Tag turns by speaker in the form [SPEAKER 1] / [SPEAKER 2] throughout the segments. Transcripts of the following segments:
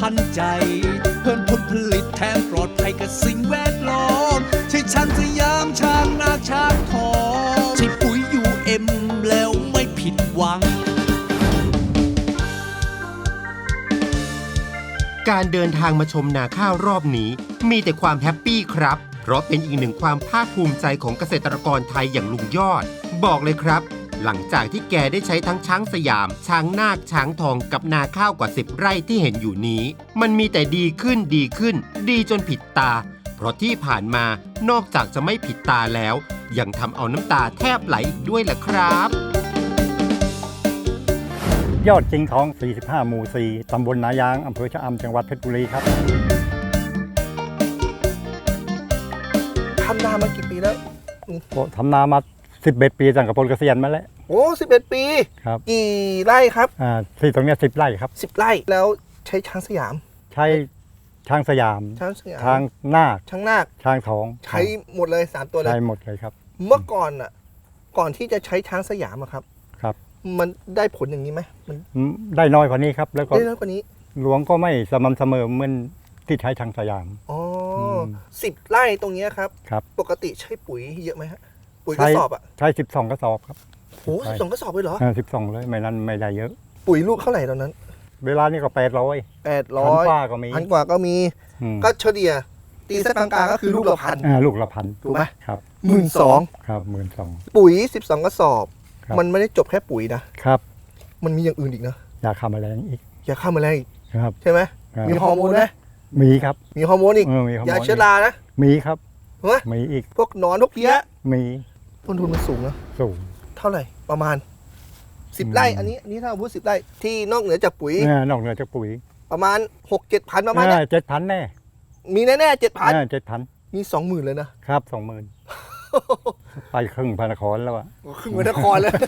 [SPEAKER 1] ทันใจเพิ่มผลผลิตแถมปลอดภัยกับสิ่งแวดล้อมใช่ช้างสยามช้างนาช้างทองใช่ปุ๋ย UM แล้วไม่ผิดหวัง
[SPEAKER 2] การเดินทางมาชมนาข้าวรอบนี้มีแต่ความแฮปปี้ครับเพราะเป็นอีกหนึ่งความภาคภูมิใจของเกษตรกรไทยอย่างลุงยอดบอกเลยครับหลังจากที่แกได้ใช้ทั้งช้างสยามช้างนาคช้างทองกับนาข้าวกว่า10 ไร่ที่เห็นอยู่นี้มันมีแต่ดีขึ้นดีจนผิดตาเพราะที่ผ่านมานอกจากจะไม่ผิดตาแล้วยังทำเอาน้ำตาแทบไหลอีกด้วยล่ะครับ
[SPEAKER 3] ยอดจริงทอง 45 หมู่ 4 ตำบลนายาง อำเภอชะอำ จังหวัดเพชรบุรีครับ
[SPEAKER 4] ทำนามากี่ปีแล้ว
[SPEAKER 3] ทำนามา 11 ปีตั้งแต่ปลดเกษียณมาแล้ว
[SPEAKER 4] โอ้ 11 ปี
[SPEAKER 3] ครับ
[SPEAKER 4] กี่ไร่ครับ
[SPEAKER 3] ที่ตรงนี้10 ไร่ครับ
[SPEAKER 4] 10 ไร่แล้วใช้ช้างสยาม
[SPEAKER 3] ใช้ช้างสยาม ช้างนาคช้างทอง
[SPEAKER 4] ใช้หมดเลย3ตัวเลย
[SPEAKER 3] ใช้หมดเลยครับ
[SPEAKER 4] เมื่อก่อนก่อนที่จะใช้ช้างสยามครับมันได้ผลอย่างนี้ไหมมัน
[SPEAKER 3] ได้น้อยกว่านี้ครับแล้วก็
[SPEAKER 4] ได้น้อยกว่านี้
[SPEAKER 3] หลวงก็ไม่สม่ำเสมอเหมือนที่ใช้ช้างสยาม
[SPEAKER 4] อ๋อ10 ไร่ตรงนี้ครับปกติใช้ปุ๋ยเยอะไหมฮะปุ๋ยกระสอบ
[SPEAKER 3] ใช้12 กระสอบครับ
[SPEAKER 4] โอ้12 กระสอบเลยเหรอ
[SPEAKER 3] 12เลยไม่นั้นไม่ได้เยอะ
[SPEAKER 4] ปุ๋ยลูกเท่าไหร่ตอนนั้น
[SPEAKER 3] เวลานี้ก็800พันกว่าก็มี
[SPEAKER 4] ก็เฉลี่ยตีสักกลางๆก็คือลูกละพันถูกไหม
[SPEAKER 3] ครับ
[SPEAKER 4] 12,000
[SPEAKER 3] ครับ12,000
[SPEAKER 4] ปุ๋ย12 กระสอบมันไม่ได้จบแค่ปุ๋ยนะครับมันมีอย่างอื่นอีกนะ
[SPEAKER 3] ยาฆ่าแมลงอีก
[SPEAKER 4] ยาฆ่าแมลงอีก
[SPEAKER 3] ครับ
[SPEAKER 4] ใช่ไหมมีฮอร์โมนไหม
[SPEAKER 3] มีครับ
[SPEAKER 4] มีฮอร์โมนอีกยาเชื้อรานะ
[SPEAKER 3] มีครับมีอีก
[SPEAKER 4] พวกหนอนพวกเพี้ย
[SPEAKER 3] มี
[SPEAKER 4] ต้นทุนมันสูงนะ
[SPEAKER 3] สูง
[SPEAKER 4] เท่าไหร่ประมาณ10 ไร่อันนี้ถ้าพูด10 ไร่ที่นอกเหนือจากปุ๋ยประมาณ 6-7 พันประมาณ
[SPEAKER 3] นี้7,000แน่
[SPEAKER 4] มีแน่ๆ
[SPEAKER 3] 7,000
[SPEAKER 4] มี 20,000เลย
[SPEAKER 3] นะครับ 20,000ไปครึ่งพระนครแล้วอะ
[SPEAKER 4] ครึ่งพระนครแล้ว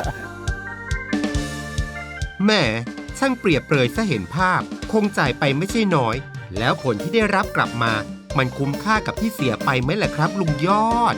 [SPEAKER 2] แม่ช่างเปรียบเปรยซะเห็นภาพคงจ่ายไปไม่ใช่น้อยแล้วผลที่ได้รับกลับมามันคุ้มค่ากับที่เสียไปไหมล่ะครับลุงยอด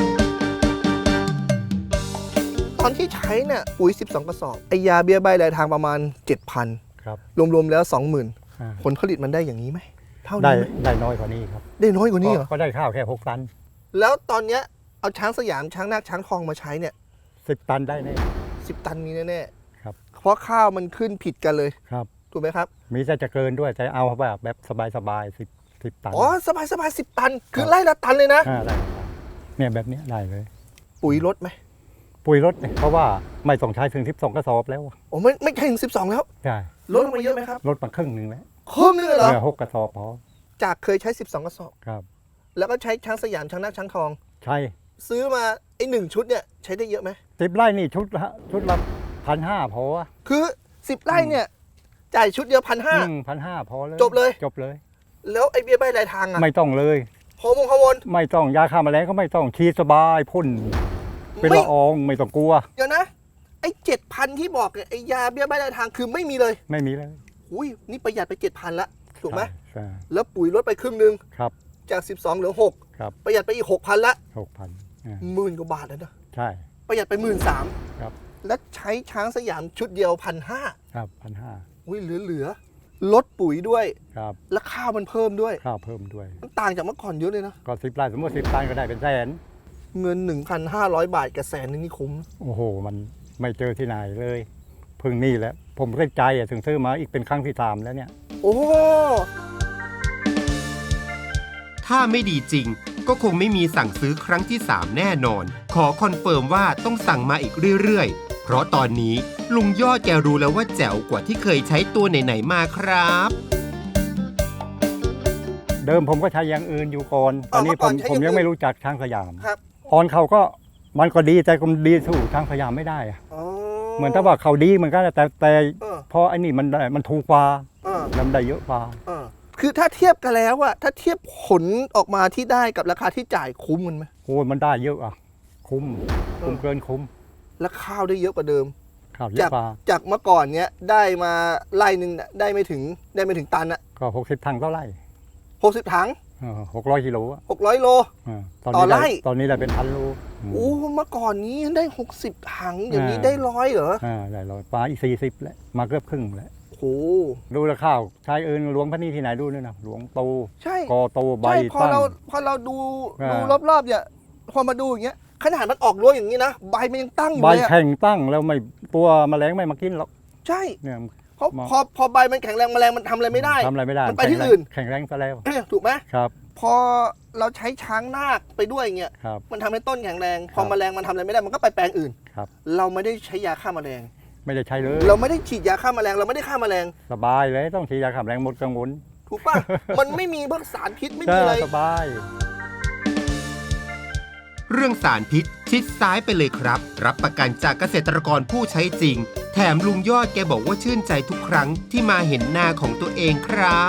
[SPEAKER 4] ตอนที่ใช้เนี่ยปุ๋ย12 กระสอบไอยาเบี้ยใบรายทางประมาณ 7,000
[SPEAKER 3] ครับ
[SPEAKER 4] รวมๆแล้ว 20,000 ผลผลิตมันได้อย่างนี้ไหม
[SPEAKER 3] เท่านี้ได้น้อยกว่านี้ครับ
[SPEAKER 4] ได้น้อยกว่านี้เหรอ
[SPEAKER 3] ก็ได้ข้าวแค่6 ตัน
[SPEAKER 4] แล้วตอนเนี้ยเอาช้างสยามช้างนาคช้างทองมาใช้เนี่ย
[SPEAKER 3] 10 ตันได้แน่
[SPEAKER 4] 10 ตันมีแน่
[SPEAKER 3] ๆครับ
[SPEAKER 4] เพราะข้าวมันขึ้นผิดกันเลย
[SPEAKER 3] ครับ
[SPEAKER 4] ถูกไหมครับ
[SPEAKER 3] มีจะเกินด้วยจะเอาแบบสบาย10 ตัน
[SPEAKER 4] อ๋อสบาย10 ตันคือไล่ละตันเลยนะ
[SPEAKER 3] ได้เนี่ยแบบนี้ได้เลย
[SPEAKER 4] ปุ๋ยลดไหม
[SPEAKER 3] ปุ๋ยลดเพราะว่าไม่ต้องใช้ถึง12 กระสอบแล้ว
[SPEAKER 4] โอ้ไม่ใช่ถึง12แล้ว
[SPEAKER 3] ใช่
[SPEAKER 4] ลดลงมาเยอะไหมครับ
[SPEAKER 3] ลดมาครึ่งนึงแล้ว
[SPEAKER 4] ครึ่งนึงเหรอ
[SPEAKER 3] 6 กระสอบพอ
[SPEAKER 4] จากเคยใช้12 กระสอบ
[SPEAKER 3] ครับ
[SPEAKER 4] แล้วก็ใช้ช้างสยามช้างนาคช้างทอง
[SPEAKER 3] ใช่
[SPEAKER 4] ซื้อมาไอ้1 ชุดเนี่ยใช้ได้เยอะไหม
[SPEAKER 3] 10 ไร่นี่ชุดละ1,500พอ
[SPEAKER 4] คือ10 ไร่เนี่ยจ่ายชุดเดียว
[SPEAKER 3] 1,500พอเลย
[SPEAKER 4] จบเลยแล้วไอ้เบี้ยใบรายทาง
[SPEAKER 3] ไม่ต้องเลย
[SPEAKER 4] ฮอร์โมน
[SPEAKER 3] ไม่ต้องยาฆ่าแมลงก็ไม่ต้องฉีดสบายพ่นเป็นละอองไม่ต้องกลัว
[SPEAKER 4] เดี๋ยวนะไอ้ 7,000 ที่บอกไอ้ยาเบี้ยใบรายทางคือไม่มีเลยอุ้ยนี่ประหยัดไป 7,000 ละถูกไหม
[SPEAKER 3] ใช่
[SPEAKER 4] แล้วปุ๋ยลดไปครึ่งนึง
[SPEAKER 3] ครับ
[SPEAKER 4] จาก12เหลือ6
[SPEAKER 3] ครับ
[SPEAKER 4] ประหยัดไปอีก 6,000 ละ
[SPEAKER 3] 6,000
[SPEAKER 4] 10,000 กว่าบาทแล้วนะ
[SPEAKER 3] ใช่
[SPEAKER 4] ประหยัดไป 13,000
[SPEAKER 3] ครับ
[SPEAKER 4] แล้วใช้ช้างสยามชุดเดียว 1,500
[SPEAKER 3] ครับ 1,500
[SPEAKER 4] อุ้ยเหลือลดปุ๋ยด้วย
[SPEAKER 3] ครับ
[SPEAKER 4] แล้วข้าวมันเพิ่มด้วยมันต่างจากเมื่อก่อนเยอะเลยนะ
[SPEAKER 3] ก็10 ไร่สมมติ10 ตันก็ได้เป็นแสน
[SPEAKER 4] เงิน 1,500 บาทกับแสนนึงนี่คุ้ม
[SPEAKER 3] โอ้โหมันไม่เจอที่ไหนเลยเพิ่งนี่แหละผมก็ใจถึงซื้อมาอีกเป็นครั้งที่3แล้วเนี่ย
[SPEAKER 4] โอ้
[SPEAKER 2] ถ้าไม่ดีจริงก็คงไม่มีสั่งซื้อครั้งที่3แน่นอนขอคอนเฟิร์มว่าต้องสั่งมาอีกเรื่อยๆเพราะตอนนี้ลุงยอดแกรู้แล้วว่าแจ๋วกว่าที่เคยใช้ตัวไหนๆมาครับ
[SPEAKER 3] เดิมผมก็ใช้อย่างอื่นอยู่ก่อนตอนนี้ผมยังไม่รู้จักช้างสยาม
[SPEAKER 4] ครับ
[SPEAKER 3] ออนเขาก็มันก็ดีแต่ก็ดีสู้ช้างสยามไม่ได้อะเหมือนถ้าว่าเขาดีเหมือนกันแต่พอไอ้นี่มันถูกกว่าแล้วได้เยอะกว่า
[SPEAKER 4] คือถ้าเทียบกันแล้วอะถ้าเทียบผลออกมาที่ได้กับราคาที่จ่ายคุ้มมันไหม
[SPEAKER 3] โอ้มันได้เยอะอะคุ้มเกินคุ้ม
[SPEAKER 4] แล้วข้าวได้เยอะกว่าเดิม
[SPEAKER 3] ข้าวเยอะกว่า
[SPEAKER 4] จากเมื่อก่อนเนี้ยได้มาไร่นึงได้ไม่ถึงตันอะ
[SPEAKER 3] ก็60 ถังต่อไร่
[SPEAKER 4] 60 ถัง
[SPEAKER 3] 600 กิโล
[SPEAKER 4] 600 โลต่อไร่
[SPEAKER 3] ตอนนี้ได้เป็น1,000 โล
[SPEAKER 4] โอ้เมื่อก่อนนี้ได้60 ถังอย่างนี้ได้100เหรอ
[SPEAKER 3] ได้100ปลาอีก40แล้วมาเกือบครึ่งแล้ว
[SPEAKER 4] โ
[SPEAKER 3] ดูแลข้าวใช้เอิญหลวงพระนี่ที่ไหนดูเนี่ยนะหลวงโต
[SPEAKER 4] ใช่
[SPEAKER 3] กอโตใบ
[SPEAKER 4] ใช่พอ
[SPEAKER 3] ตั้ง
[SPEAKER 4] เราดู
[SPEAKER 3] อ่า
[SPEAKER 4] รอบๆเนี่ยพอมาดูอย่างเงี้ยขนาดมันออกรั้วอย่างนี้นะใบมันยังตั้งอยู่
[SPEAKER 3] ใบ
[SPEAKER 4] เลยอะ
[SPEAKER 3] แข็งตั้งแล้วไม่ตัวแมลงไม่มากินหรอก
[SPEAKER 4] ใช่
[SPEAKER 3] เนี่ย
[SPEAKER 4] เพราะพอใบมันแข็งแรงแมลงมันทำอะไรไม่ได้
[SPEAKER 3] ทำอะไรไม่ได้
[SPEAKER 4] มันไปที่อื่น
[SPEAKER 3] แข็งแรงซะแล้ว
[SPEAKER 4] ถูกไหม
[SPEAKER 3] ครับ
[SPEAKER 4] พอเราใช้ช้างนาคไปด้วยเงี้ย
[SPEAKER 3] ครับ
[SPEAKER 4] มันทำให้ต้นแข็งแรงพอ
[SPEAKER 3] ครับ
[SPEAKER 4] แมลงมันทำอะไรไม่ได้มันก็ไปแปลงอื่น
[SPEAKER 3] ครับ
[SPEAKER 4] เราไม่ได้ใช้ยาฆ่าแมลง
[SPEAKER 3] ไม่ได้ใช้เลย
[SPEAKER 4] เราไม่ได้ฉีดยาฆ่าแมลงเราไม่ได้ฆ่าแมลง
[SPEAKER 3] สบายเลยต้องฉีดยาขับแรงหมดกังวล
[SPEAKER 4] ถูกป่ะ มันไม่มีพวกสารพิษไม่มีอะไร
[SPEAKER 3] สบาย
[SPEAKER 2] เรื่องสารพิษชิดซ้ายไปเลยครับ รับประกันจากเกษตรกรผู้ใช้จริง แถมลุงยอดแกบอกว่าชื่นใจทุกครั้งที่มาเห็นนาของตัวเองครับ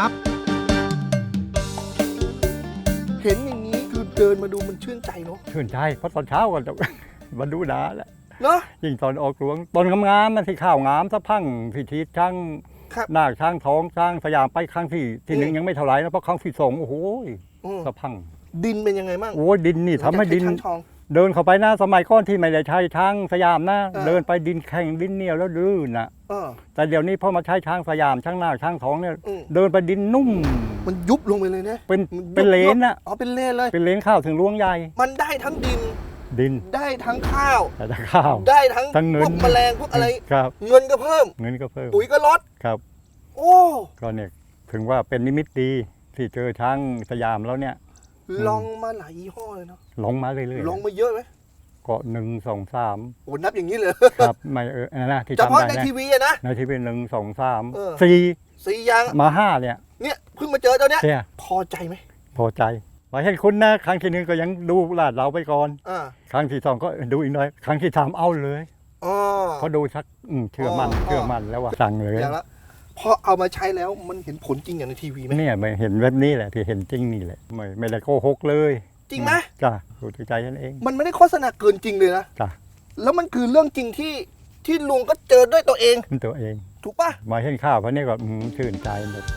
[SPEAKER 4] เห็นอย่างนี้คือเดินมาดูมันชื่นใจเนาะ
[SPEAKER 3] ชื่นใจเพราะตอนเช้าก็จะ มาดูดาแล้ว
[SPEAKER 4] เนาะ
[SPEAKER 3] ยิ่งตอนออกหลวงตอนงามๆมันที่ข้าวงามสะพังที่ชีดช่าง
[SPEAKER 4] ครับ
[SPEAKER 3] นาคช่างท้องช่างสยามไปครั้งที่หนึ่งยังไม่เท่าไหร่นะเพราะครั้งที่สองโอ้โห
[SPEAKER 4] อืม
[SPEAKER 3] สะพัง
[SPEAKER 4] ดินเป็นยังไงบ้าง
[SPEAKER 3] โอ้ยดินนี่ทำให้ดิน
[SPEAKER 4] ช้างทอง
[SPEAKER 3] เดินเข้าไปนะสมัยก่อนที่ไม่ได้ใช้ช้างสยามนะ
[SPEAKER 4] เออ
[SPEAKER 3] เดินไปดินแข็งดินเหนียวแล้วลื่นนะ
[SPEAKER 4] เออ
[SPEAKER 3] แต่เดี๋ยวนี้พอมาใช้ช้างสยามช้างนาคช้างท้องเนี่ย
[SPEAKER 4] อืม
[SPEAKER 3] เดินไปดินนุ่ม
[SPEAKER 4] มันยุบลงไปเลยนะ
[SPEAKER 3] เป็น
[SPEAKER 4] มันยุบ
[SPEAKER 3] เป็นเลนนะ
[SPEAKER 4] อ๋อเป็นเลนเลย
[SPEAKER 3] เป็นเลนข้าวถึงล้วงใหญ่
[SPEAKER 4] มันได้ทั้งดิน
[SPEAKER 3] ดิน
[SPEAKER 4] ได้ทั้งข้าว
[SPEAKER 3] แต่ถ้าข้าว
[SPEAKER 4] ได้ทั้ง
[SPEAKER 3] ทั้งเงิน
[SPEAKER 4] พวกแมลงพวกอะไร
[SPEAKER 3] ครับ
[SPEAKER 4] เงินก็เพิ่ม
[SPEAKER 3] เงินก็เพิ่ม
[SPEAKER 4] ปุ๋ยก็ลด
[SPEAKER 3] ครับ
[SPEAKER 4] โอ้
[SPEAKER 3] ก็เนี่ยถึงว่าเป็นนิมิตดีที่เจอช้างสยามแล้วเนี่ย
[SPEAKER 4] ลองมาหลายยี่ห้อเลยเนาะ
[SPEAKER 3] ลงมาเรื่อยๆ
[SPEAKER 4] ลองมาเยอะไหม
[SPEAKER 3] ก็1 2 3
[SPEAKER 4] โอ้นับอย่างนี้เลย
[SPEAKER 3] ครับไม่นะที่
[SPEAKER 4] เฉ
[SPEAKER 3] จำ
[SPEAKER 4] พาะ
[SPEAKER 3] ได้
[SPEAKER 4] ใน
[SPEAKER 3] นะ
[SPEAKER 4] ทีวีอะนะ
[SPEAKER 3] ในทีวี1 2
[SPEAKER 4] เออ
[SPEAKER 3] 3
[SPEAKER 4] 4อย่าง
[SPEAKER 3] 4มา5เนี่ย
[SPEAKER 4] เนี่ยเพิ่งมาเจอเจ้าเนี้ย
[SPEAKER 3] เนี่ย
[SPEAKER 4] พอใจไหม
[SPEAKER 3] พอใจไปเห็นคุณนะครั้งที่หนึ่งก็ยังดูลาดเราไปก่อน
[SPEAKER 4] อ่า
[SPEAKER 3] ครั้งที่สองก็ดูอีกหน่อยครั้งที่สามเอาเลย
[SPEAKER 4] อ๋อ
[SPEAKER 3] เพราะดูชักเชื่อมั่น
[SPEAKER 4] อ๋อ
[SPEAKER 3] เชื่อมั่นแล้วว่าสั่งเลย
[SPEAKER 4] อย่างละพอเอามาใช้แล้วมันเห็นผลจริงอย่างในทีวีไหม
[SPEAKER 3] เนี่ยไม่เห็นแบบนี้แหละที่เห็นจริงนี่แหละไม่ได้โกหกเลย
[SPEAKER 4] จริงไหม
[SPEAKER 3] จ้ะดูที่ใจฉันเอง
[SPEAKER 4] มันไม่ได้โฆษณาเกินจริงเลยนะ
[SPEAKER 3] จ้ะ
[SPEAKER 4] แล้วมันคือเรื่องจริงที่ลุงก็เจอด้วยตัวเอง
[SPEAKER 3] เป็นตัวเอง
[SPEAKER 4] ถูกป่ะ
[SPEAKER 3] มาเห็นข้าวเพราะนี่ก็ชื่นใจหมด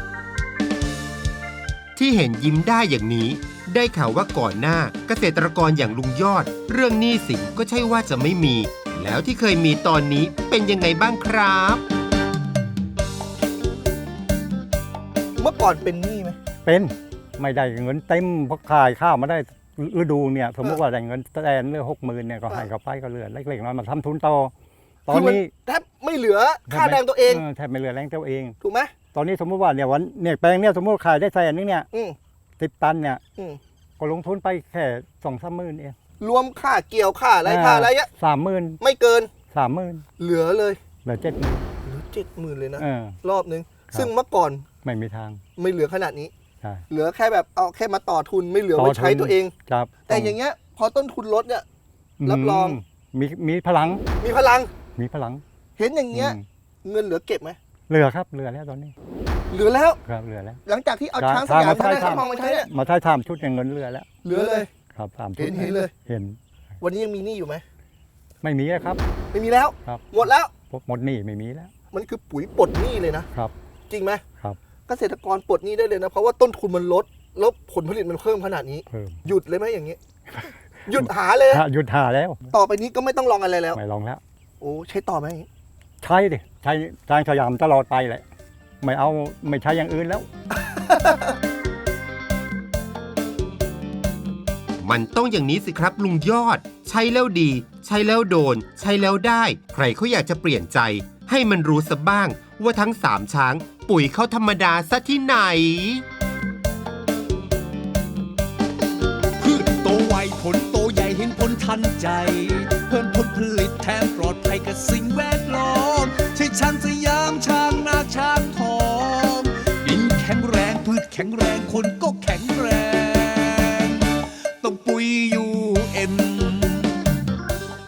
[SPEAKER 2] ที่เห็นยิ้มได้อย่างนี้ ได้ข่าวว่าก่อนหน้าเกษตรกรอย่างลุงยอด เรื่องหนี้สินก็ใช่ว่าจะไม่มี แล้วที่เคยมีตอนนี้เป็นยังไงบ้างครับ
[SPEAKER 4] เมื่อก่อนเป็นหนี้ไหม
[SPEAKER 3] เป็นไม่ได้เงินเต็มเพราะขายข้าวมาได้ฤดูเนี่ยสมมติว่าได้เงินแสนเรื่อง60,000เนี่ยก็ให้เขาไปก็เหลือเล็กๆน้อยมาทำทุนต่อตอนนี้
[SPEAKER 4] แทบไม่เหลือค่าแรงตัวเอง
[SPEAKER 3] แทบไม่เหลือแรงตัวเอง
[SPEAKER 4] ถูกไหม
[SPEAKER 3] ตอนนี้สมมติว่าเนี่ยวันเนี่ยแปลงเนี่ยสมมติขายได้แสนนึงเนี่ย
[SPEAKER 4] อืม
[SPEAKER 3] 10 ตันเนี่ย
[SPEAKER 4] อืม
[SPEAKER 3] ก็ลงทุนไปแค่2-3 หมื่นเอง
[SPEAKER 4] รวมค่าเกี่ยวค่าอะไรค่าอะไรเงี้ย
[SPEAKER 3] 30,000
[SPEAKER 4] ไม่เกิน
[SPEAKER 3] 30,000
[SPEAKER 4] เหลือเลย
[SPEAKER 3] เหลือ70,000
[SPEAKER 4] เหลือ70,000เลยนะ
[SPEAKER 3] เออ
[SPEAKER 4] รอบนึง
[SPEAKER 3] ครับ
[SPEAKER 4] ซึ่งเมื่อก่อน
[SPEAKER 3] ไม่มีทาง
[SPEAKER 4] ไม่เหลือขนาดนี้
[SPEAKER 3] ใช่
[SPEAKER 4] เหลือแค่แบบเอาแค่มาต่อทุนไม่เหลือไว้ใช้ตัวเอง
[SPEAKER 3] ครับ
[SPEAKER 4] แต่อย่างเงี้ยพอต้นทุนลดเนี่ย รับรอง
[SPEAKER 3] มีพลัง
[SPEAKER 4] มีพลัง
[SPEAKER 3] มีพลัง
[SPEAKER 4] เห็นอย่างเงี้ย
[SPEAKER 3] อืม
[SPEAKER 4] เงินเหลือเก็บไหม
[SPEAKER 3] เหลือครับเหลือแล้วตอนนี้
[SPEAKER 4] เหลือแล้ว
[SPEAKER 3] ครับเหลือแล้ว
[SPEAKER 4] หลังจากที่เอา
[SPEAKER 3] ครับ
[SPEAKER 4] ช้างสยาม
[SPEAKER 3] ทางมา
[SPEAKER 4] ช้าง
[SPEAKER 3] ใช้
[SPEAKER 4] ช้างทองมาใช้เนี่ย
[SPEAKER 3] มาใช้ทำชุดเนี่ยเงินเหลือแล้ว
[SPEAKER 4] เหลือเลย
[SPEAKER 3] ครับ3 ชุด
[SPEAKER 4] เห็นเลย
[SPEAKER 3] เห็น
[SPEAKER 4] วันนี้ยังมีหนี้อยู่ไหม
[SPEAKER 3] ไม่มีแล้วครับ
[SPEAKER 4] ไม่มีแล้ว
[SPEAKER 3] ครับ
[SPEAKER 4] หมดแล้ว
[SPEAKER 3] หมดหนี้ไม่มีแล้ว
[SPEAKER 4] มันคือปุ๋ยปลดหนี้เลยนะ
[SPEAKER 3] ครับ
[SPEAKER 4] จริงไหม
[SPEAKER 3] ครับ
[SPEAKER 4] เกษตรกรปลดหนี้ได้เลยนะ เพราะว่าต้นทุนมันลดแล้วผลผลิตมันเพิ่มขนาดนี้
[SPEAKER 3] เพิ่ม
[SPEAKER 4] หยุดเลยไหมอย่างนี้ หยุดหาเลย
[SPEAKER 3] ถ้าหยุดหาแล้ว
[SPEAKER 4] ต่อไปนี้ก็ไม่ต้องลองอะไรแล้ว
[SPEAKER 3] ไม่ลองแล้ว
[SPEAKER 4] โอ้ใช้ต่อไหมอย่างนี้
[SPEAKER 3] ใช้ดิใช้ทางสยามตลอดไปแหละไม่ใช้อย่างอื่นแล้ว
[SPEAKER 2] มันต้องอย่างนี้สิครับลุงยอด ใช้แล้วดี ใช้แล้วโดน ใช้แล้วได้ ใครเขาอยากจะเปลี่ยนใจ ให้มันรู้ซะบ้างว่าทั้ง3ช้าง ปุ๋ยเขาธรรมดาซะที่ไหน
[SPEAKER 1] พืชโตไวผลโตใหญ่เห็นผลทันใจ เพิ่มผลผลิตแถมปลอดภัยกับสิ่งแวดล้อมใช่ช้างสยามช้างนาคช้างทองดินแข็งแรงพืชแข็งแรงคนก็แข็งแรง ต้องปุ๋ยยู